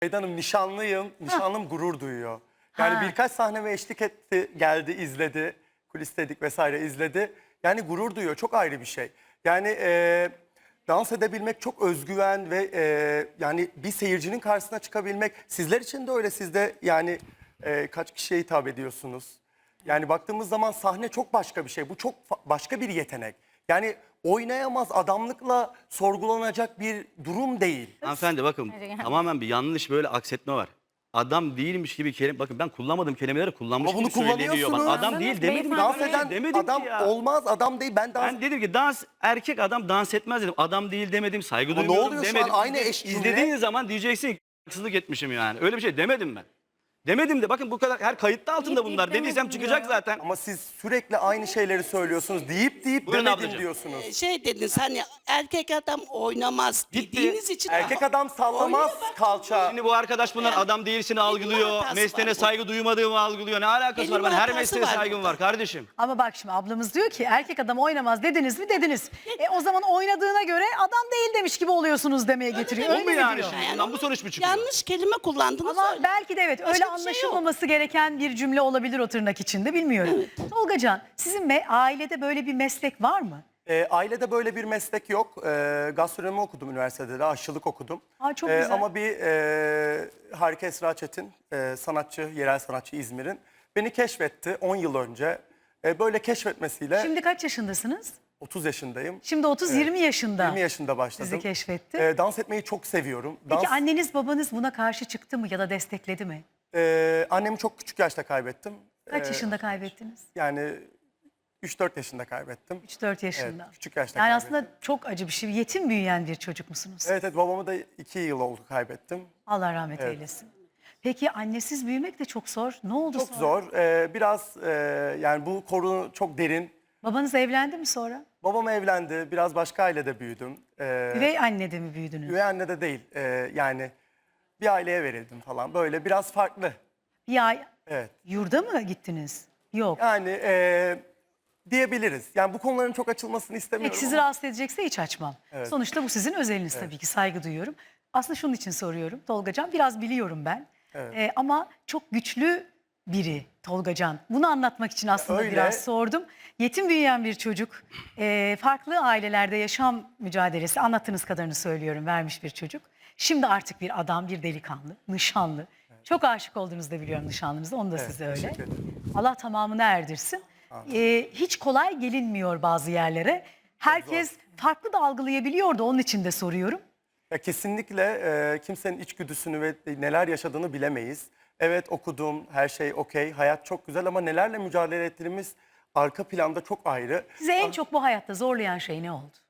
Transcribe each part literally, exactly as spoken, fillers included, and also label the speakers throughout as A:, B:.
A: Eda Hanım nişanlıyım, nişanlım gurur duyuyor. Yani
B: Ha.
A: birkaç sahneme eşlik etti, geldi, izledi, kulisteydik vesaire izledi. Yani gurur duyuyor, çok ayrı bir şey. Yani e, dans edebilmek çok özgüven ve e, yani bir seyircinin karşısına çıkabilmek. Sizler için de öyle, siz de yani e, kaç kişiye hitap ediyorsunuz? Yani baktığımız zaman sahne çok başka bir şey, bu çok fa- başka bir yetenek. Yani oynayamaz, adamlıkla sorgulanacak bir durum değil.
C: Hanımefendi bakın tamamen bir yanlış böyle aksetme var. Adam değilmiş gibi kelime, bakın ben kullanmadığım kelimeleri kullanmış
A: Ama bunu
C: gibi söyleniyor. Bak,
A: kullanıyorsunuz.
C: adam değil demedim.
A: Dans
C: Ben
A: eden
C: demedim
A: adam
C: ki ya.
A: olmaz, adam değil. Ben dans...
C: Ben dedim ki dans erkek adam dans etmez dedim. Adam değil demedim, saygı
A: Ama ne
C: duymuyorum
A: oluyor şu
C: demedim.
A: an? Aynı eş cümle.
C: İzlediğin zaman diyeceksin ki haksızlık etmişim yani. Öyle bir şey demedim ben. Demedim de bakın bu kadar her kayıtta altında
B: Deyip
C: bunlar.
B: demedim
C: Dediysem çıkacak
B: ya.
C: zaten.
A: Ama siz sürekli aynı şeyleri söylüyorsunuz. Deyip deyip
C: Buyurun
A: demedim
C: ablacığım.
A: diyorsunuz.
D: Şey dediniz hani erkek adam oynamaz
C: Gitti.
D: dediğiniz için.
A: Erkek adam sallamaz
D: Oynuyor bak.
A: kalça.
C: Şimdi bu arkadaş bunlar adam değilsini algılıyor.
D: hatası
C: Mesleğine
D: var bu.
C: saygı duymadığımı algılıyor. Ne alakası
D: Kelime
C: var? Ben her
D: hatası
C: mesleğe
D: var
C: saygım
D: burada.
C: var kardeşim.
B: Ama bak şimdi ablamız diyor ki erkek adam oynamaz dediniz mi dediniz. E o zaman oynadığına göre adam değil demiş gibi oluyorsunuz demeye getiriyor.
C: Bu
B: Öyle
C: mu
B: mi
C: yani
B: diyor?
C: şimdi?
D: Yani
C: Bundan bu sonuç mu çıkıyor?
D: Yanlış kelime kullandınız.
B: Ama
D: öyle.
B: belki de evet öyle
D: bir şey yok.
B: anlaşılmaması gereken bir cümle olabilir o tırnak içinde bilmiyorum. Tolgacan sizin me- ailede böyle bir meslek var mı?
A: Ee, ailede böyle bir meslek yok. Ee, gastronomi okudum üniversitede de, aşçılık okudum.
B: Aa, çok
A: Ee,
B: güzel.
A: Ama bir e, Harika Esra Çetin, e, sanatçı, yerel sanatçı İzmir'in beni keşfetti on yıl önce. E, böyle keşfetmesiyle
B: Şimdi kaç yaşındasınız?
A: otuz yaşındayım.
B: Şimdi otuz yirmi yaşında.
A: yirmi yaşında başladım.
B: Sizi keşfetti.
A: Ee, dans etmeyi çok seviyorum.
B: Peki
A: Dans,
B: anneniz babanız buna karşı çıktı mı ya da destekledi mi?
A: e, annemi çok küçük yaşta kaybettim.
B: Kaç
A: Ee,
B: yaşında kaybettiniz?
A: Yani üç dört yaşında kaybettim.
B: üç dört yaşında.
A: Evet, küçük yaşta
B: Yani
A: kaybettim.
B: aslında çok acı bir şey. Yetim büyüyen bir çocuk musunuz?
A: Evet, evet, babamı da iki yıl oldu kaybettim.
B: Allah rahmet eylesin. Peki annesiz büyümek de çok zor. Ne oldu
A: Çok
B: sonra?
A: zor. Ee, biraz e, yani bu konu çok derin.
B: Babanız evlendi mi sonra?
A: Babam evlendi. Biraz başka ailede büyüdüm. Ee,
B: Üvey annede mi büyüdünüz?
A: üvey anne de değil. Ee, yani bir aileye verildim falan. Böyle biraz farklı.
B: Bir ay
A: Evet.
B: yurda mı gittiniz? Yok.
A: Yani e, diyebiliriz. Yani bu konuların çok açılmasını istemiyorum.
B: Peki sizi
A: ama-
B: rahatsız edecekse hiç açmam. Sonuçta bu sizin özeliniz tabii ki, saygı duyuyorum. Aslında şunun için soruyorum Tolgacan, biraz biliyorum ben.
A: Evet.
B: Ee, ama çok güçlü biri Tolgacan. Bunu anlatmak için aslında
A: öyle.
B: biraz sordum. Yetim büyüyen bir çocuk, e, farklı ailelerde yaşam mücadelesi, anlattığınız kadarını söylüyorum, vermiş bir çocuk. Şimdi artık bir adam, bir delikanlı, nişanlı. Çok aşık olduğunuzu da biliyorum nişanlınızda, onu da
A: Evet,
B: size öyle.
A: teşekkür ederim.
B: Allah tamamını erdirsin. Ee, hiç kolay gelinmiyor bazı yerlere. Herkes farklı da algılayabiliyordu, onun için de soruyorum.
A: Ya kesinlikle e, kimsenin içgüdüsünü ve neler yaşadığını bilemeyiz. Evet, okudum, her şey okey, hayat çok güzel ama nelerle mücadele ettiğimiz arka planda çok ayrı.
B: Size en çok bu hayatta zorlayan şey ne oldu?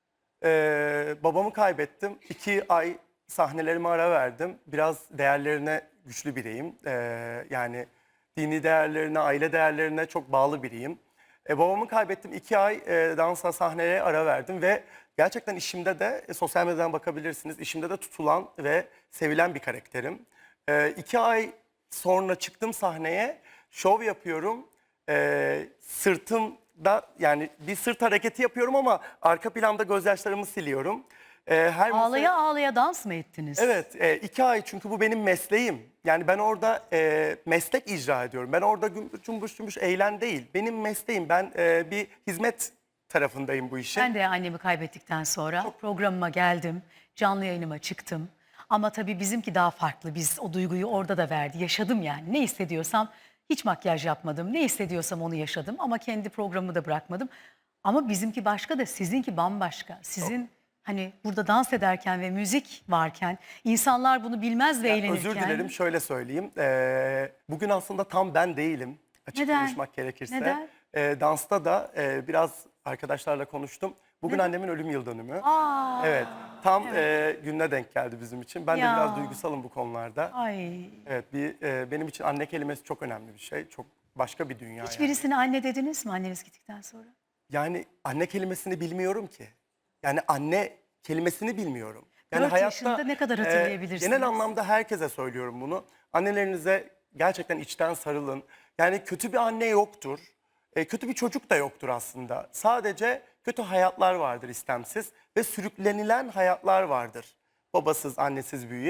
A: Ee, babamı kaybettim. İki ay sahnelerime ara verdim. Biraz değerlerine güçlü biriyim. Ee, yani dini değerlerine, aile değerlerine çok bağlı biriyim. Ee, babamı kaybettim. İki ay e, dansa, sahneye ara verdim ve gerçekten işimde de, e, sosyal medyadan bakabilirsiniz, işimde de tutulan ve sevilen bir karakterim. Ee, iki ay sonra çıktım sahneye, şov yapıyorum. Ee, sırtımda yani bir sırt hareketi yapıyorum ama arka planda gözyaşlarımı siliyorum. Ee, her
B: Ağlaya
A: masa-
B: ağlaya dans mı ettiniz?
A: Evet, e, iki ay çünkü bu benim mesleğim. Yani ben orada e, meslek icra ediyorum. Ben orada gümbür cumbuş cumbuş eğlen değil. Benim mesleğim. Ben e, bir hizmet tarafındayım bu işin.
B: Ben de annemi kaybettikten sonra programıma geldim, canlı yayınıma çıktım. Ama tabii bizimki daha farklı. Biz o duyguyu orada da verdi. Yaşadım yani. Ne hissediyorsam hiç makyaj yapmadım. Ne hissediyorsam onu yaşadım ama kendi programımı da bırakmadım. Ama bizimki başka da sizinki bambaşka. Sizin hani burada dans ederken ve müzik varken insanlar bunu bilmez de eğlenirken.
A: Özür dilerim, şöyle söyleyeyim. Ee, bugün aslında tam ben değilim. Açık
B: Neden?
A: konuşmak gerekirse.
B: Neden?
A: Ee, dansta da e, biraz arkadaşlarla konuştum. Bugün
B: Neden?
A: annemin ölüm yıl dönümü.
B: Aa,
A: Evet, tam e, gününe denk geldi bizim için. Ben
B: Ya.
A: de biraz duygusalım bu konularda.
B: ay.
A: Evet, bir e, benim için anne kelimesi çok önemli bir şey. Çok başka bir dünya yani.
B: Hiçbirisine anne dediniz mi anneniz gittikten sonra?
A: Yani anne kelimesini bilmiyorum ki. Yani anne kelimesini bilmiyorum. Yani
B: Dört yaşında ne kadar hatırlayabilirsiniz?
A: genel anlamda herkese söylüyorum bunu. Annelerinize gerçekten içten sarılın. Yani kötü bir anne yoktur. E, kötü bir çocuk da yoktur aslında. Sadece kötü hayatlar vardır istemsiz ve sürüklenilen hayatlar vardır. Babasız, annesiz büyüyüp.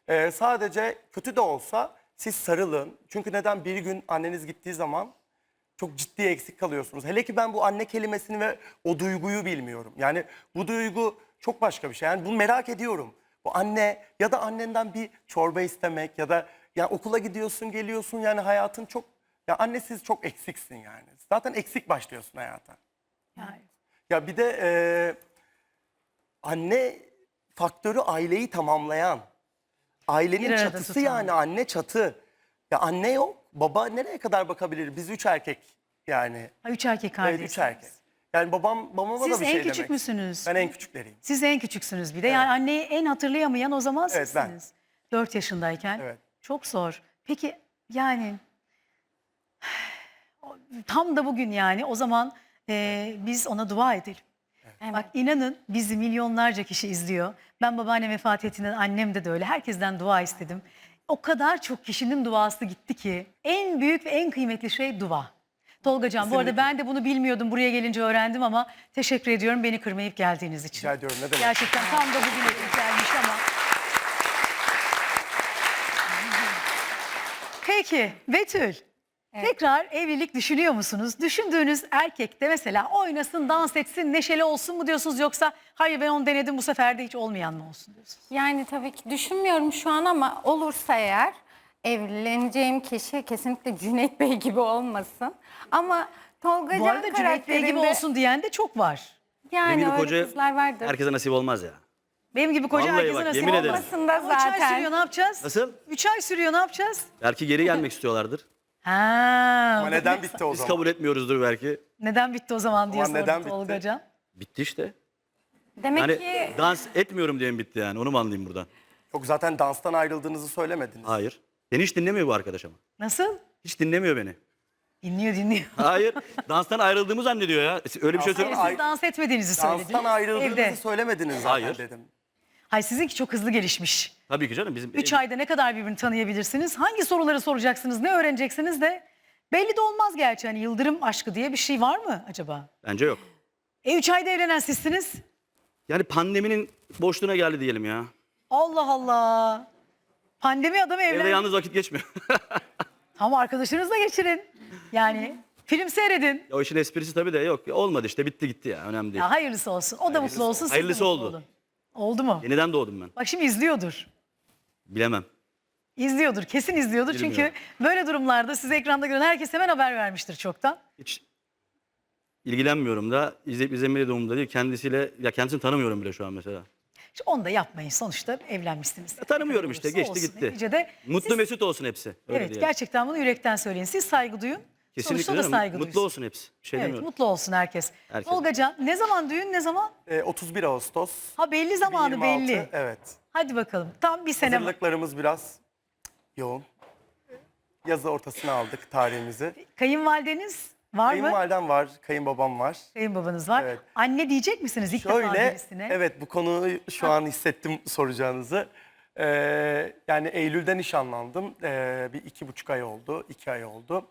A: Ee, sadece kötü de olsa siz sarılın. Çünkü neden? Bir gün anneniz gittiği zaman çok ciddi eksik kalıyorsunuz. Hele ki ben bu anne kelimesini ve o duyguyu bilmiyorum. Yani bu duygu çok başka bir şey. Yani bunu merak ediyorum. Bu anne ya da annenden bir çorba istemek ya da yani okula gidiyorsun geliyorsun yani hayatın çok ya annesiz çok eksiksin yani. Zaten eksik başlıyorsun hayata.
B: Yani.
A: Ya bir de e, anne faktörü aileyi tamamlayan. Ailenin
B: Bir arada
A: çatısı
B: tutan.
A: yani anne çatı. Ya anne yok. Baba nereye kadar bakabilir? Biz üç erkek yani.
B: Ha, üç erkek
A: Evet
B: kardeşsiniz.
A: üç erkek. Yani babam babama
B: Siz
A: da bir
B: en
A: şey
B: küçük
A: demek.
B: müsünüz?
A: Ben en küçükleriyim.
B: Siz en küçüksünüz bir de. Yani anneyi en hatırlayamayan o zaman
A: Evet, ben.
B: sizsiniz. Dört yaşındayken.
A: Evet.
B: Çok zor. Peki yani tam da bugün yani o zaman e, biz ona dua edelim. Bak inanın bizi milyonlarca kişi izliyor. Ben babaannem vefat ettiğinden annem de öyle. Herkesten dua istedim. O kadar çok kişinin duası gitti ki en büyük ve en kıymetli şey dua. Tolgacan bu arada
A: Kesinlikle.
B: ben de bunu bilmiyordum. Buraya gelince öğrendim ama teşekkür ediyorum beni kırmayıp geldiğiniz için.
A: Rica ediyorum ne demek.
B: Gerçekten tam da bugün denk gelmiş ama. Peki Betül. Tekrar evlilik düşünüyor musunuz? Düşündüğünüz erkek de mesela oynasın, dans etsin, neşeli olsun mu diyorsunuz yoksa hayır ben onu denedim bu sefer de hiç olmayan mı olsun diyorsunuz?
E: Yani tabii ki düşünmüyorum şu an ama olursa eğer evleneceğim kişi kesinlikle Cüneyt Bey gibi olmasın. Ama Tolga
B: Bu
E: Can
B: arada Cüneyt Bey gibi
E: karakterinde-
B: olsun diyen de çok var.
C: Benim
E: Yani
C: gibi
E: öyle
C: koca
E: kızlar vardır.
C: herkese nasip olmaz ya.
B: Benim gibi koca
C: Vallahi
B: herkese
C: bak,
B: nasip
C: yemin ederim.
B: olmaz.
E: Olmasın da
B: Ama Üç ay
E: zaten.
B: sürüyor ne yapacağız?
C: Nasıl?
B: Üç ay sürüyor ne yapacağız?
C: Belki geri gelmek istiyorlardır.
B: Ha,
A: Ama neden bitti o
C: Biz
A: zaman?
C: kabul etmiyoruzdur belki.
B: Neden bitti o zaman diye
A: Ama
B: sordu
A: neden bitti?
B: Tolgacan.
C: Bitti işte.
E: Demek
C: Yani
E: ki
C: dans etmiyorum diye mi bitti yani? Onu mu anlayayım buradan?
A: Yok zaten danstan ayrıldığınızı söylemediniz.
C: Hayır. Beni hiç dinlemiyor bu arkadaş ama.
B: Nasıl?
C: Hiç dinlemiyor beni.
B: Dinliyor dinliyor.
C: Hayır. Danstan ayrıldığımı zannediyor ya. Öyle bir şey
A: Danstan
C: söylüyor
B: Siz
A: Ay-
B: dans etmediğinizi söylediniz.
A: Danstan ayrıldığınızı
B: Evde.
A: söylemediniz zaten
C: Hayır.
A: dedim.
B: Hayır sizinki çok hızlı gelişmiş.
C: Tabii ki canım. Bizim
B: Üç ayda ne kadar birbirini tanıyabilirsiniz? Hangi soruları soracaksınız? Ne öğreneceksiniz de? Belli de olmaz gerçi. Hani yıldırım aşkı diye bir şey var mı acaba?
C: Bence yok.
B: E üç ayda evlenen sizsiniz.
C: Yani pandeminin boşluğuna geldi diyelim ya.
B: Allah Allah. Pandemi adamı
C: Evde
B: evlen.
C: yalnız vakit geçmiyor.
B: Ama arkadaşınızla geçirin. Yani film seyredin.
C: O işin esprisi tabii de yok. Olmadı işte bitti gitti ya. Önemli değil.
B: Ya hayırlısı olsun. O da mutlu olsun. siz de
C: Hayırlısı
B: mutlu
C: oldu.
B: olun. Oldu mu?
C: Yeniden doğdum ben.
B: Bak şimdi izliyordur.
C: Bilemem.
B: İzliyordur. Kesin izliyordur. Çünkü
C: Bilmiyorum.
B: böyle durumlarda sizi ekranda gören herkes hemen haber vermiştir çoktan.
C: Hiç ilgilenmiyorum da. İzleyip izlemeli de umurumda değil. Kendisiyle, ya kendisini tanımıyorum bile şu an mesela.
B: İşte onu da yapmayın. Sonuçta evlenmişsiniz.
C: Ya tanımıyorum işte.
B: Olursa
C: Geçti
B: olsun.
C: gitti.
B: Neticede
C: Mutlu
B: siz-
C: mesut olsun hepsi. Öyle
B: Evet
C: diyelim.
B: gerçekten bunu yürekten söyleyin. Siz saygı duyun.
C: Kesinlikle
B: Sonuçta da
C: canım.
B: saygı
C: Mutlu
B: duysun.
C: olsun hepsi. Bir şey
B: Evet
C: demiyorum.
B: mutlu olsun herkes.
C: Herkes.
B: Tolgacan ne zaman düğün ne zaman?
A: Ee, otuz bir Ağustos.
B: Ha belli zamanı
A: iki bin yirmi altı,
B: belli.
A: Evet.
B: Hadi bakalım. Tam bir sene var.
A: Hazırlıklarımız biraz yoğun. Yazı ortasına aldık tarihimizi.
B: Kayınvalideniz var mı?
A: Kayınvalidem var, kayınbabam var.
B: Kayınbabanız var.
A: Evet.
B: Anne diyecek misiniz ilk defa
A: Şöyle,
B: birisine?
A: evet bu konuyu şu an hissettim soracağınızı. Ee, yani Eylül'de nişanlandım. Ee, bir iki buçuk ay oldu, iki ay oldu.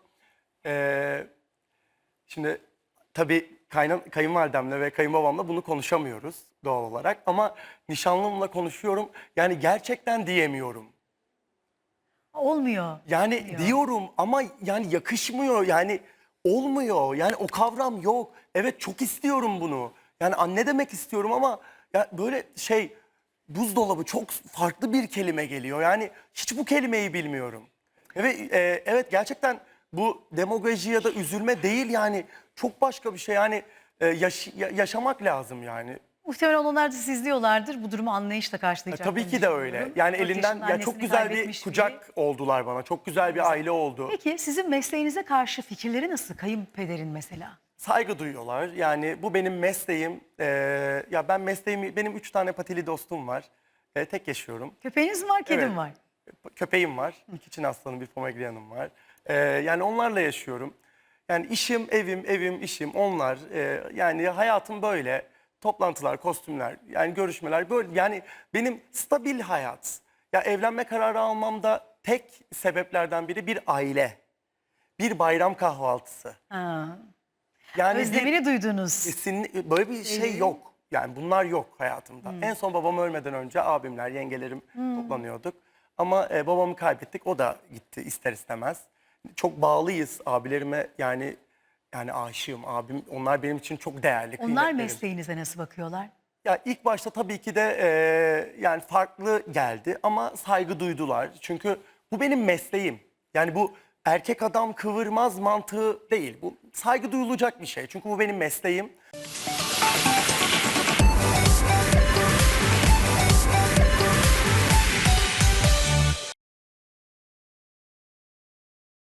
A: Ee, şimdi tabii kaynan, kayınvalidemle ve kayınbabamla bunu konuşamıyoruz doğal olarak. Ama nişanlımla konuşuyorum. Yani gerçekten diyemiyorum.
B: Olmuyor.
A: Yani
B: Olmuyor.
A: diyorum ama yani yakışmıyor yani olmuyor yani o kavram yok. Evet çok istiyorum bunu. Yani anne demek istiyorum ama ya böyle şey buzdolabı çok farklı bir kelime geliyor. Yani hiç bu kelimeyi bilmiyorum. Evet, e, evet gerçekten bu demagoji ya da üzülme değil yani çok başka bir şey. Yani e, yaş- ya- yaşamak lazım yani.
B: Muhtemelen onlar da sizi izliyorlardır. Bu durumu anlayışla
A: E,
B: karşılayacaklar.
A: tabii ki de öyle. Yani elinden ya çok güzel bir kucak oldular bana. Çok güzel bir aile oldu.
B: Peki sizin mesleğinize karşı fikirleri nasıl? Kayınpederin mesela.
A: Saygı duyuyorlar. Yani bu benim mesleğim. Ee, ya ben mesleğimi, benim üç tane patili dostum var. Ee, tek yaşıyorum.
B: Köpeğiniz mi var, kedim
A: Evet.
B: var?
A: Köpeğim var. İki Çin aslanı, bir Pomeranian'ım var. Ee, yani onlarla yaşıyorum. Yani işim, evim, evim, işim onlar. Ee, yani hayatım böyle. Toplantılar, kostümler, yani görüşmeler böyle. Yani benim stabil hayat. Ya evlenme kararı almamda tek sebeplerden biri bir aile. Bir bayram kahvaltısı.
B: Ha.
A: Yani bir-
B: Özlemini duydunuz.
A: Kesinlikle böyle bir şey yok. Yani bunlar yok hayatımda. En son babam ölmeden önce abimler, yengelerim toplanıyorduk. Ama e, babamı kaybettik. O da gitti ister istemez. Çok bağlıyız abilerime, yani yani aşığım abim. Onlar benim için çok değerli.
B: Onlar
A: kıymetlerim.
B: mesleğinize nasıl bakıyorlar?
A: Ya ilk başta tabii ki de e, yani farklı geldi ama saygı duydular. Çünkü bu benim mesleğim. Yani bu erkek adam kıvırmaz mantığı değil. Bu saygı duyulacak bir şey. Çünkü bu benim mesleğim.